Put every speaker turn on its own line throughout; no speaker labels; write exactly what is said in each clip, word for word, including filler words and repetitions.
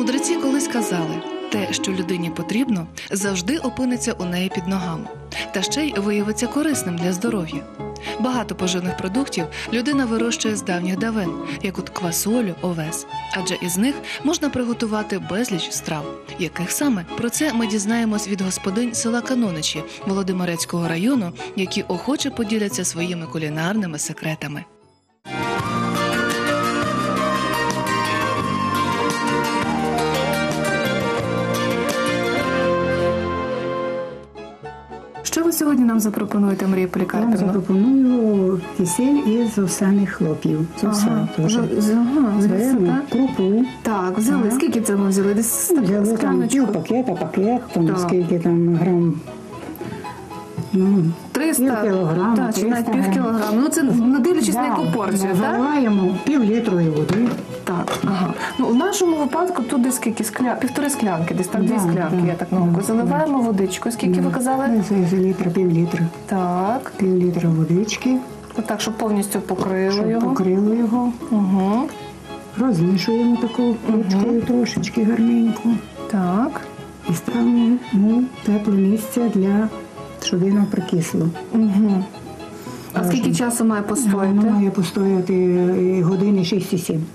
Мудреці колись казали, те, що людині потрібно, завжди опиниться у неї під ногами, та ще й виявиться корисним для здоров'я. Багато поживних продуктів людина вирощує з давніх давен, як от квасолю, овес. Адже із них можна приготувати безліч страв. Яких саме? Про це ми дізнаємось від господинь села Каноничі Володимирецького району, які охоче поділяться своїми кулінарними секретами. Що ви сьогодні нам запропонуєте, Марія Полікарпівна?
Я запропоную кисель із овсяних хлоп'ів. З овса теж. Беремо крупу.
Так, взяли.
Ага.
Скільки це ми взяли? Десь
Взяли там пів пакета, пакет, там
Так.
скільки там грам. Ну,
триста,
пів кілограма,
так, чи навіть
триста
пів
грам.
кілограма. Ну, це не дивлячись на яку порцію, так?
Заливаємо пів літрової води.
Так, ага. Ну, в нашому випадку тут десь скільки? Скля... Півтори склянки, десь так, дві
Да,
склянки,
да,
я так на око.
да,
Заливаємо водичку. Скільки ви казали?
Це за літра, пів літра.
Так.
Пів літра водички.
Отак, щоб повністю покрило
Щоб
його.
покрило його.
Угу.
Розмішуємо такою ручкою трошечки гарненько.
Так.
І ставимо ну, тепле місце, для, щоб воно прикисло.
Угу. А
Важно.
скільки часу має постояти?
Воно має постояти е, години шість-сім.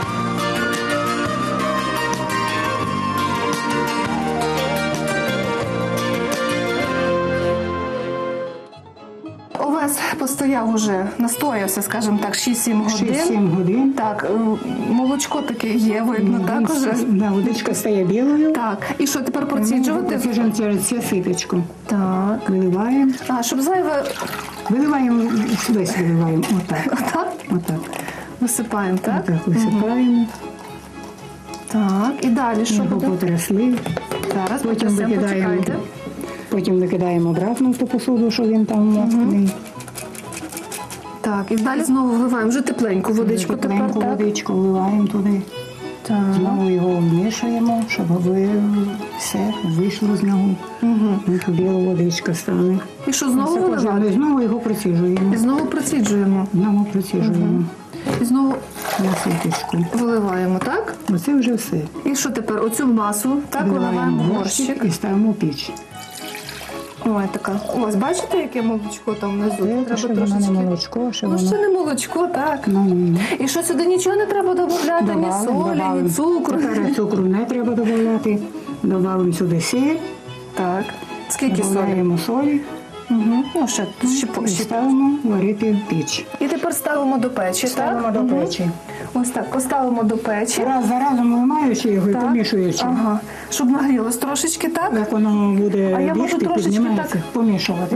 Овес постояв уже, настоявся, скажімо так, шість-сім годин.
шість-сім годин.
Так, е, молочко таке є, видно, так уже?
Да, водичка стає білою.
Так, і що, тепер проціджувати?
Проціджуємо через це ситочку.
Так.
Виливаємо.
А, щоб зайве...
Виливаємо, весь виливаємо. Отак.
Так?
Отак.
Висипаємо, так?
Отак висипаємо.
Так, і далі що
Його
буде?
потрясли.
Зараз
Потім
потрясемо,
викидаємо.
почекайте.
Потім викидаємо обратно в ту посуду, що він там мокрий.
Так, і далі знову вливаємо вже тепленьку водичку тепер,
Тепленьку
так?
водичку вливаємо туди.
Так.
Знову його вмішуємо, щоб ви все вийшло з нього. Угу. Біла водичка стане.
І що, знову
Все
виливати?
пожалуй, знову його проціжуємо.
І знову проціджуємо.
Знову проціжуємо
І знову
на ситочку.
виливаємо, так?
Оце вже все.
І що тепер? Оцю масу, так, виливаємо в горщик.
і ставимо в піч.
Ой, така. Ось, бачите, яке молочко там внизу?
Це, що воно не молочко, що
Ну,
воно...
ще не молочко, так.
Ну, ну,
І що, сюди нічого не треба додати, ні
Добавимо,
солі,
добавимо.
ні цукру?
Тепер цукру не треба додавати. Додаємо сюди сіль.
Так. Скільки солі?
Додаємо солі.
Угу. Ну, ще, ще,
І
ще.
ставимо варити в піч.
І тепер ставимо до печі,
Ставимо
так?
до
Мгм.
печі.
Ось так, поставимо до печі.
Раз за разом виймаючи його і
Так.
помішуючи.
Ага. Щоб нагрілось трошечки, так?
Як воно буде
А я можу
бігти,
трошечки
піднімається,
так-
помішувати.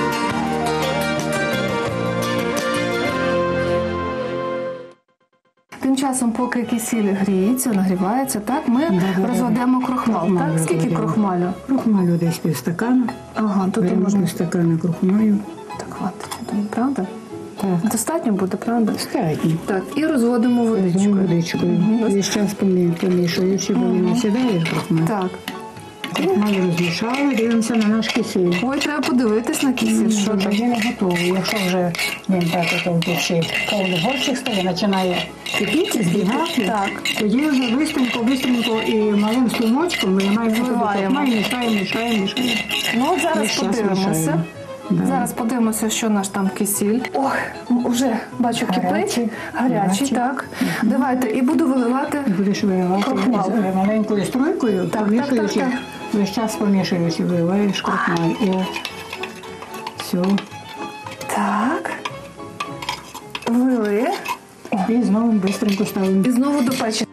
Тим часом, поки кисіль гріється, нагрівається, так, ми
Да-да-да.
розведемо крохмал.
Крохмаль
Так? Скільки
розведемо.
крохмалю?
Крохмалю десь півстакана.
Ага, тут і
Беремо
можна.
півстакана крохмалю.
Так, хватить, я думаю, правда?
Так,
Достатньо буде, правда?
достатньо.
Так, і розводимо
Візьмемо
водичкою.
водичкою. Весь час помі- помішуючи, бо він не сідає крохмаль.
Так.
Крохмаль розмішали, дивимося на наш кисіль.
Ой, треба подивитись на кисіль, що
Вже
там.
він не готовий. Якщо вже він так ото в печі повний горщик стає, починає кипіти, збігати,
Так.
тоді вже бистренько, бистренько і малим струмочком виймаємо туди
Вливаємо.
крохмаль, мішаємо, мішаємо, мішаємо.
Ну, от зараз
Весь час
подивимося.
мішаємо. Да.
Зараз подивимося, що наш там кисіль. Ох, м, вже бачу, кипить.
Гарячий.
Гарячий,
Гарячий.
так. Давайте, і буду виливати.
Будеш виливати
Крохмал.
з маленькою струйкою,
Так,
помішуючи,
так, так,
весь час помішуючи, виливаєш крохмаль. І от все.
Так. Вили.
І знову бистренько ставимо.
І знову до печі.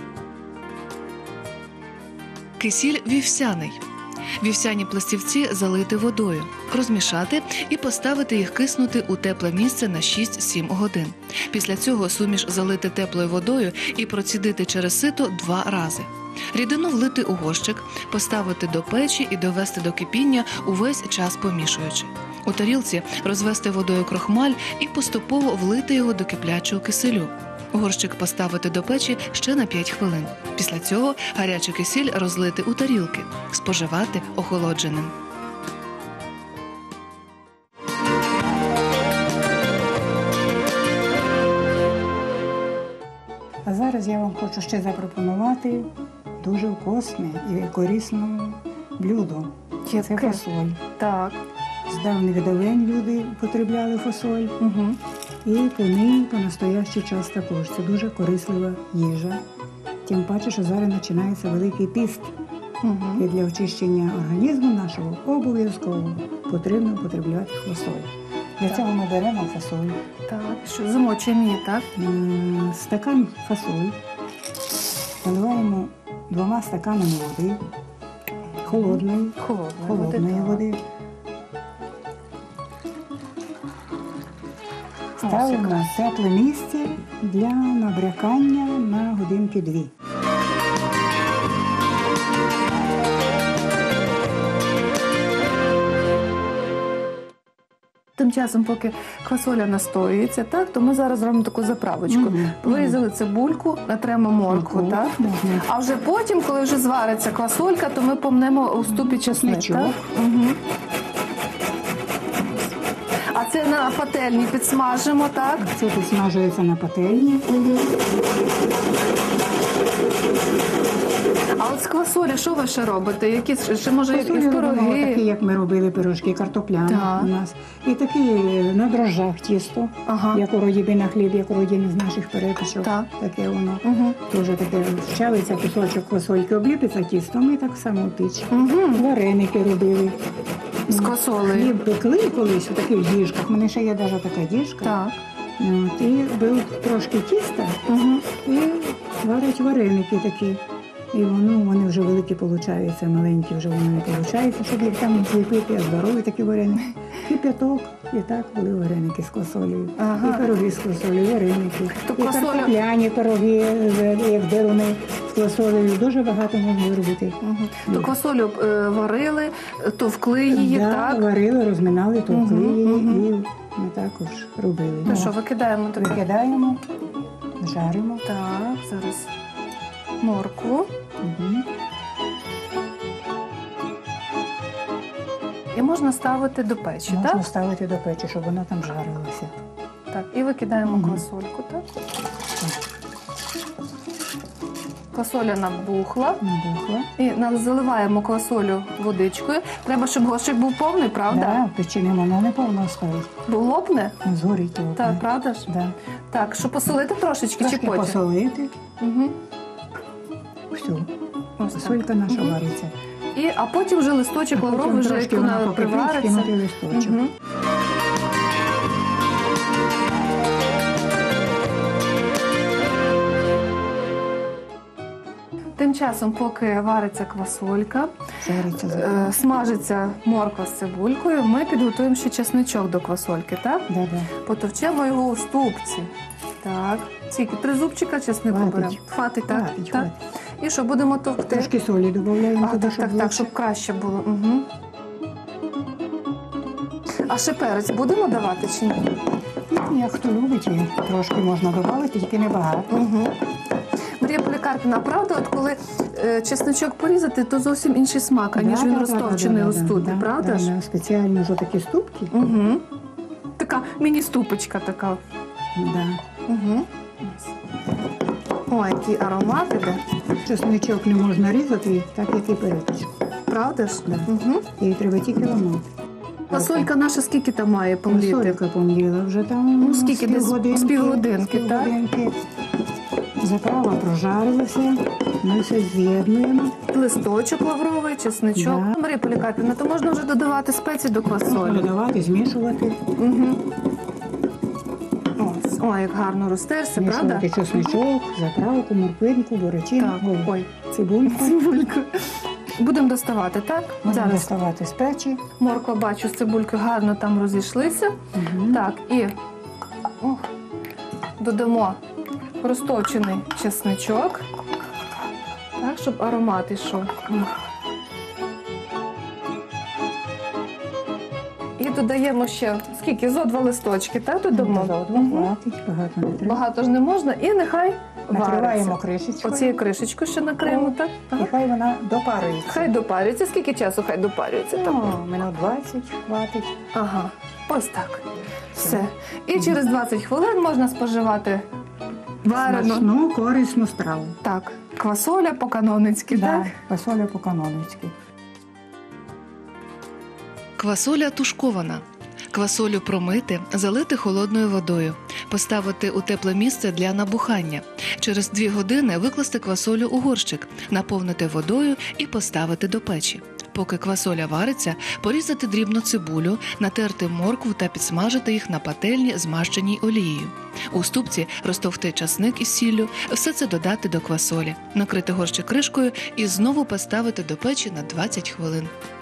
Кисіль вівсяний. Вівсяні пластівці залити водою, розмішати і поставити їх киснути у тепле місце на шість-сім годин. Після цього суміш залити теплою водою і процідити через сито два рази. Рідину влити у горщик, поставити до печі і довести до кипіння, увесь час помішуючи. У тарілці розвести водою крохмаль і поступово влити його до киплячого киселю. Горщик поставити до печі ще на п'ять хвилин. Після цього гарячий кисіль розлити у тарілки, споживати охолодженим.
А зараз я вам хочу ще запропонувати дуже вкусне і корисне блюдо. Це
Яке?
фасоль.
Так.
З давніх давен люди потребляли фасоль.
Угу.
І по ній по настоящий час також. Це дуже корислива їжа. Тим паче, що зараз починається Великий піст.
Угу.
І для очищення організму нашого обов'язково потрібно потребляти фасоль. Для цього ми беремо фасоль.
Так. Що, замочуємо її, так?
М, Стакан фасоль наливаємо двома стаканами води, холодної,
Холодної,
холодної
так.
води. Ставимо
якраз.
в тепле місце для набрякання на годинки-дві.
Тим часом, поки квасоля настоюється, так, то ми зараз зробимо таку заправочку.
Мгм.
Вирізали цибульку, натремо моркву,
Моркву,
так?
можна.
А вже потім, коли вже звариться квасолька, то ми помнемо у ступі чесник,
Чесничок.
так? Угу. А це на пательні підсмажимо, так?
Це підсмажується на пательні.
А от з квасолі що ви ще робите? Які ще може якісь
Фасолі робимо такі,
пироги?
як ми робили пирожки, картопляні
Так.
у нас. І такі на дрожжах тісто,
Ага.
як у роді на хліб, як у роді з наших перепічок.
Так.
Таке воно.
Угу.
Дуже таке щавиться, кусочок квасольки обліпиться тістом і так само в піч.
Угу.
Вареники робили.
З квасолею.
Хліб пекли колись у таких діжках. У мене ще є навіть така діжка.
Так.
От, і беруть трошки тіста
Угу.
і варять вареники такі. І воно, вони вже великі получаються, маленькі вже вони не получаються, щоб їх там зліпити, а здорові такі вареники. Кип'яток, і так були вареники з квасолею.
Ага.
І пироги з квасолею, вареники.
То
і
квасоля-
картопляні пироги, з- як деруни з квасолею. Дуже багато можна робити.
Угу. То квасолю е, варили, товкли її,
Да,
так?
варили, розминали, товкли
Мгм,
її,
мгм.
і ми також робили.
Ну
О,
що, викидаємо таке?
викидаємо, жаримо.
Так, зараз моркву.
Мгм.
І можна ставити до печі,
Можна
так?
ставити до печі, щоб воно там жарилося.
Так, і викидаємо
Мгм.
квасольку, так? Квасоля набухла.
Набухла.
І на- заливаємо квасолю водичкою. Треба, щоб горщик був повний, правда?
Да, в печі воно не повно стоїть.
Бо лопне?
Ну, згорить то.
Так, правда ж?
Да.
Так, щоб посолити трошечки
Трошки
чи потім?
посолити.
Угу.
Все.
Ось так.
Солька наша
Мгм.
вариться.
І, а потім вже листочок
А потім
лавровий, вже
трошки
як
вона
вона
покипить,
привариться.
кинути листочок.
Мгм. Тим часом, поки вариться квасолька,
Жариться.
е, смажиться морква з цибулькою, ми підготуємо ще чесничок до квасольки, так?
Да, да.
Потовчемо його у ступці. Так. Скільки? Три зубчика чеснику
Хватить.
беремо. Хватить, так?
Хватить,
так.
хватить.
І що, будемо товкти?
Трошки солі додаємо
А,
туди,
так,
щоб
так, так,
легше.
щоб краще було. Угу. А ще перець будемо давати чи ні?
Ну, як хто любить, і трошки можна додати, тільки небагато.
Угу. Марія Полікарпівна, правда, от коли е, чесночок порізати, то зовсім інший смак, аніж
Да,
він
да,
розтовчений
да,
у
да,
ступі,
да,
правда
да,
ж?
да, спеціально за такі ступки.
Угу. Така міні-ступочка така.
Да.
Угу. Ой, який аромат іде.
Чесничок не можна різати, так як і перепічку.
Правда ж?
Да.
Угу.
І треба тільки ламати.
Фасолька наша скільки там має помліти?
Фасолька помліла вже там.
Ну, скільки?
з
Десь
півгодинки,
з півгодинки,
з
так?
півгодинки. Заправа прожарилася, ми все з'єднуємо.
Листочок лавровий, чесничок.
Да.
Марія Полікарпівна, то можна вже додавати спеції до
Можна
квасолі.
додавати, змішувати,
Угу. Ось. Ой, як гарно розтерся, правда?
змішувати чесничок, заправку, морквинку, бурячину,
Так,
ой,
ой,
цибульку.
цибульку. Будемо доставати, так?
Можна
Зараз.
доставати з печі.
Морква, бачу, з цибулькою гарно там розійшлися.
Мгм.
Так, і ох, додамо розтовчений чесничок, так, щоб аромат ішов. І додаємо ще, скільки? Зо два листочки, так, додамо?
Заодно
Мгм.
хватить, багато не треба.
Багато ж не можна, і нехай
Накриваємо
вариться.
кришечкою.
Оцією кришечкою ще накриємо, так?
І
Ага.
хай вона допарюється.
Хай допарюється. Скільки часу хай допарюється? Так.
Ну, минут двадцять хватить.
Ага, ось так. Все. І через двадцять хвилин можна споживати варену.
Смачну, корисну страву.
Так.
Квасоля по-каноницьки,
Да,
так?
квасоля по-каноницьки.
Квасоля тушкована. Квасолю промити, залити холодною водою, поставити у тепле місце для набухання. Через дві години викласти квасолю у горщик, наповнити водою і поставити до печі. Поки квасоля вариться, порізати дрібно цибулю, натерти моркву та підсмажити їх на пательні, змащеній олією. У ступці розтовкти часник із сіллю, все це додати до квасолі, накрити горщик кришкою і знову поставити до печі на двадцять хвилин.